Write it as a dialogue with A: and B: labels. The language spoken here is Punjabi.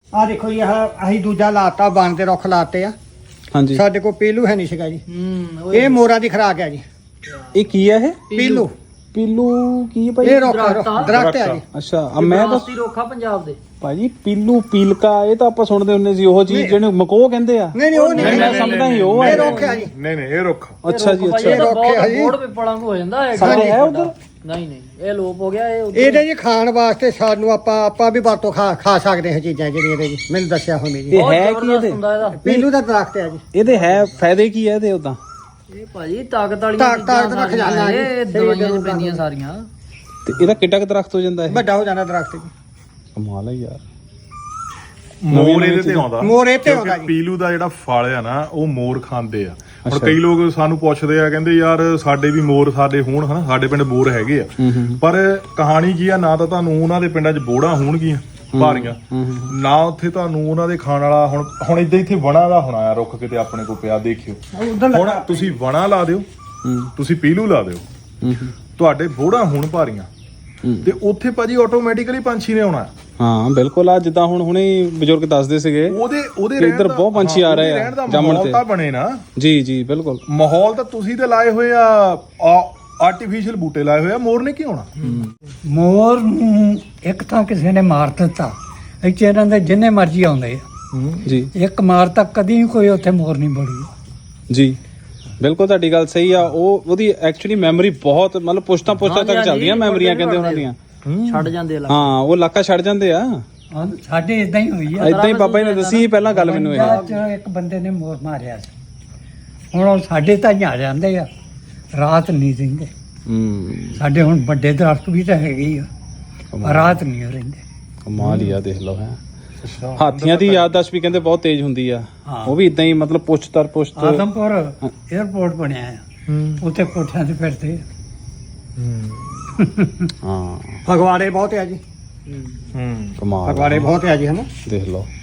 A: ਆ ਦੇਖੋ ਜੀ ਅਸੀਂ ਦੂਜਾ ਲਾਤਾ ਬਣ ਦੇ ਰੁੱਖ ਲਾਤੇ ਆ
B: ਹਾਂਜੀ
A: ਸਾਡੇ ਕੋਲ ਪੀਲੂ ਹੈ ਨਹੀਂ ਸੀਗਾ ਜੀ ਇਹ ਮੋਰਾ ਦੀ ਖਰਾਕ ਹੈ ਜੀ
B: ਇਹ ਕੀ ਹੈ ਇਹ
A: ਪੀਲੂ
B: ਪੀਲੂ ਕੀ ਹੈ ਭਾਈ
A: ਇਹ ਰੁੱਖ ਦਰਖਤ ਹੈ ਜੀ
B: ਅੱਛਾ ਮੈਂ ਤਾਂ
C: ਰੋਖਾ ਪੰਜਾਬ ਦੇ
B: ਭਾਜੀ ਪੀਲੂ ਪੀਲਕਾ ਇਹ ਤਾਂ ਆਪਾਂ ਸੁਣਦੇ ਹੁੰਦੇ ਸੀ ਉਹ ਚੀਜ਼ ਜਿਹਨੂੰ ਮਕੋਹ ਕਹਿੰਦੇ ਆ
A: ਨਹੀਂ ਉਹ ਨਹੀਂ
B: ਮੈਂ ਸਮਝਦਾ ਹੀ ਉਹ
A: ਇਹ
B: ਹੈ
A: ਰੁੱਖ ਹੈ ਜੀ
D: ਨਹੀਂ ਇਹ ਰੁੱਖ
B: ਅੱਛਾ ਜੀ ਅੱਛਾ
A: ਇਹ ਰੁੱਖ ਹੈ ਜੀ
C: ਬੋੜ ਪਿੱਪਲਾਂ ਨੂੰ ਹੋ ਜਾਂਦਾ ਹੈ
B: ਸਾਡੇ ਹੈ ਉਧਰ
C: ਨਹੀਂ ਇਹ ਲੋਪ ਹੋ ਗਿਆ
A: ਇਹਦੇ ਜੀ ਖਾਣ ਵਾਸਤੇ ਸਾਨੂੰ ਆਪਾਂ ਵੀ ਵਰਤੋਂ ਖਾ ਸਕਦੇ ਹਾਂ ਚੀਜ਼ਾਂ ਜਿਹੜੀਆਂ ਇਹਦੇ ਜੀ ਮੈਨੂੰ ਦੱਸਿਆ ਹੋਣੀ ਜੀ
B: ਇਹ ਹੈ ਕੀ ਇਹਦੇ
A: ਪੀਲੂ ਦਾ ਦਰਖਤ ਹੈ ਜੀ
B: ਇਹਦੇ ਹੈ ਫਾਇਦੇ ਕੀ ਹੈ ਇਹਦੇ ਉਦਾਂ
C: ਇਹ ਭਾਜੀ ਤਾਕਤ ਵਾਲੀਆਂ
A: ਤਾਕਤ ਦਾ ਖਜ਼ਾਨਾ ਜੀ।
C: ਇਹ ਦਵਾਈਆਂ ਚ ਪੈਂਦੀਆਂ ਸਾਰੀਆਂ
B: ਤੇ ਇਹਦਾ ਕਿੱਡਾ ਕੁ ਦਰਖਤ ਹੋ ਜਾਂਦਾ ਇਹ
A: ਵੱਡਾ ਹੋ ਜਾਂਦਾ ਦਰਖਤ ਜੀ
B: ਕਮਾਲ ਹੈ ਯਾਰ
D: ਮੋਰ ਇਹਦੇ ਤੇ ਆਉਂਦਾ
A: ਮੋਰ ਇਹ ਤੇ ਆਉਂਦਾ
D: ਕਿਉਂਕਿ
A: ਜੀ
D: ਪੀਲੂ ਦਾ ਜਿਹੜਾ ਫਲ ਆ ਨਾ ਉਹ ਮੋਰ ਖਾਂਦੇ ਆ ਹੁਣ ਕਈ ਲੋਕ ਸਾਨੂੰ ਪੁੱਛਦੇ ਆ ਕਹਿੰਦੇ ਯਾਰ ਸਾਡੇ ਵੀ ਮੋਰ ਸਾਡੇ ਹੋਣ ਹਨਾ ਸਾਡੇ ਪਿੰਡ ਮੋਰ ਹੈਗੇ ਆ ਪਰ ਕਹਾਣੀ ਕੀ ਆ ਨਾ ਤਾਂ ਤੁਹਾਨੂੰ ਉਹਨਾਂ ਦੇ ਪਿੰਡਾਂ 'ਚ ਬੋੜਾਂ ਹੋਣਗੀਆਂ ਭਾਰੀਆਂ ਨਾ ਉੱਥੇ ਤੁਹਾਨੂੰ ਉਹਨਾਂ ਦੇ ਖਾਣ ਵਾਲਾ ਹੁਣ ਇਦਾਂ ਇੱਥੇ ਵਣਾ ਦਾ ਹੋਣਾ ਆ ਰੁੱਖ ਕਿਤੇ ਆਪਣੇ ਕੋਲ ਪਿਆ ਦੇਖਿਓ ਹੁਣ ਤੁਸੀਂ ਵਣਾ ਲਾ ਦਿਓ ਤੁਸੀਂ ਪੀਲੂ ਲਾ ਦਿਓ ਤੁਹਾਡੇ ਬੋੜਾਂ ਹੋਣ ਭਾਰੀਆਂ ਤੇ ਉੱਥੇ ਭਾਜੀ ਆਟੋਮੈਟਿਕਲੀ ਪੰਛੀ ਨੇ ਆਉਣਾ
B: ਹਾਂ ਬਿਲਕੁਲ ਆ ਜਿੱਦਾਂ ਹੁਣੇ ਬਜ਼ੁਰਗ ਦੱਸਦੇ ਸੀਗੇ
D: ਉਹਦੇ
B: ਇੱਧਰ ਬਹੁਤ ਪੰਛੀ ਆ ਰਹੇ ਆ ਜੰਮਣ ਤੇ
D: ਤਾਂ ਬਣੇ ਨਾ
B: ਜੀ ਬਿਲਕੁਲ
D: ਮਾਹੌਲ ਤਾਂ ਤੁਸੀਂ ਤੇ ਲਾਏ ਹੋਏ ਆ ਆਰਟੀਫੀਸ਼ੀਅਲ ਬੂਟੇ ਲਾਏ ਹੋਏ ਆ ਮੋਰ ਨੇ ਕੀ ਹੋਣਾ
E: ਮੋਰ ਨੂੰ ਇੱਕ ਤਾਂ ਕਿਸੇ ਨੇ ਮਾਰ ਦਿੱਤਾ ਇੱਥੇ ਇਹਨਾਂ ਦੇ ਜਿੰਨੇ ਮਰਜ਼ੀ ਆਉਂਦੇ ਆ
B: ਜੀ
E: ਇੱਕ ਮਾਰ ਤੱਕ ਕਦੀ ਕੋਈ ਉੱਥੇ ਮੋਰ ਨਹੀਂ ਬੜੀ
B: ਜੀ ਬਿਲਕੁਲ ਤੁਹਾਡੀ ਗੱਲ ਸਹੀ ਆ ਉਹਦੀ ਐਕਚੁਅਲੀ ਮੈਮਰੀ ਬਹੁਤ ਮਤਲਬ ਪੁਸ਼ਤਾਂ ਤੱਕ ਚੱਲਦੀਆਂ ਮੈਮਰੀਆਂ ਕਹਿੰਦੇ ਉਹਨਾਂ ਦੀਆਂ
C: ਛੱਡ ਜਾਂਦੇ ਆ
B: ਹਾਂ ਉਹ ਇਲਾਕਾ ਛੱਡ ਜਾਂਦੇ ਆ
E: ਸਾਡੇ ਇਦਾਂ ਹੀ ਹੋਈ ਆ
B: ਇਦਾਂ ਹੀ ਬਾਬਾ ਜੀ ਨੇ ਦੱਸੀ ਪਹਿਲਾਂ ਗੱਲ ਮੈਨੂੰ ਇਹ
E: ਪੰਜਾਬ 'ਚ ਇੱਕ ਬੰਦੇ ਨੇ ਮੋਰ ਮਾਰਿਆ ਸੀ ਹੁਣ ਉਹ ਸਾਡੇ ਤਾਂ ਹੀ ਆ ਜਾਂਦੇ ਆ ਰਾਤ ਨਹੀਂ ਰਹਿੰਦੇ ਸਾਡੇ ਹੁਣ ਵੱਡੇ ਦਰਖਤ ਵੀ ਤਾਂ ਹੈਗੇ ਹੀ ਆ ਰਾਤ ਨਹੀਂ ਰਹਿੰਦੇ
B: ਕਮਾਲ ਹੀ ਆ ਦੇਖ ਲਓ ਹੈ ਹਾਥੀਆਂ ਦੀ ਯਾਦਦਾਸ਼ਤ ਵੀ ਕਹਿੰਦੇ ਬਹੁਤ ਤੇਜ਼ ਹੁੰਦੀ ਆ ਉਹ ਵੀ ਇਦਾਂ ਹੀ ਮਤਲਬ ਪੁਸ਼ਤ
E: ਆਦਮਪੁਰ 에어ਪੋਰਟ ਬਣਿਆ ਆ ਉੱਥੇ ਕੋਠਿਆਂ ਤੇ ਫਿਰਦੇ
B: ਹਾਂ
A: ਫਗਵਾੜੇ ਬਹੁਤ ਆ ਜੀ
B: ਕਮਾਲ
A: ਫਗਵਾੜੇ ਬਹੁਤ ਆ ਜੀ ਹਨਾ
B: ਦੇਖ ਲਓ